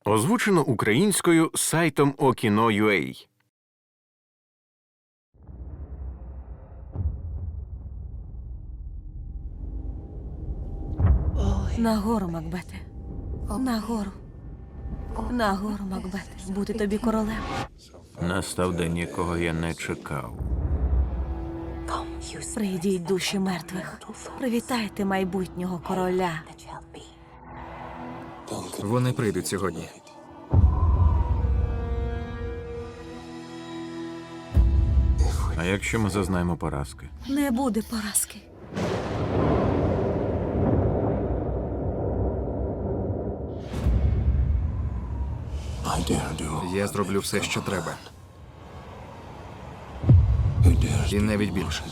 Озвучено українською сайтом Okino.ua. Нагору, Макбете. Нагору. Нагору, Макбете. Бути тобі королем. Настав день, якого я не чекав. Прийдіть душі мертвих. Привітайте майбутнього короля. Вони прийдуть сьогодні. А якщо ми зазнаємо поразки? Не буде поразки. Я зроблю все, що треба. І навіть більше.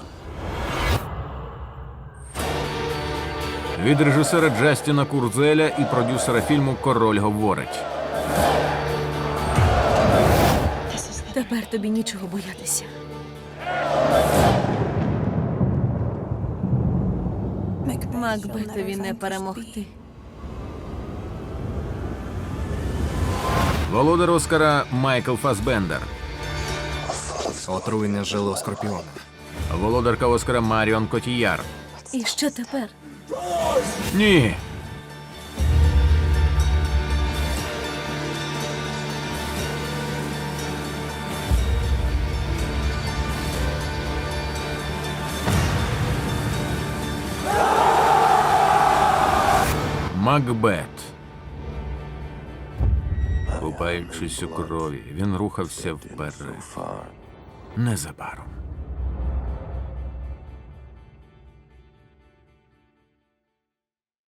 Від режисера Джастіна Курзеля і продюсера фільму «Король говорить». Тепер тобі нічого боятися. Макбетові не перемогти. Володар Оскара Майкл Фасбендер. Отруйне жило скорпіона. Володарка Оскара Маріон Котіяр. І що тепер? Ні! Макбет. Купаючись у крові, він рухався вперед. Незабаром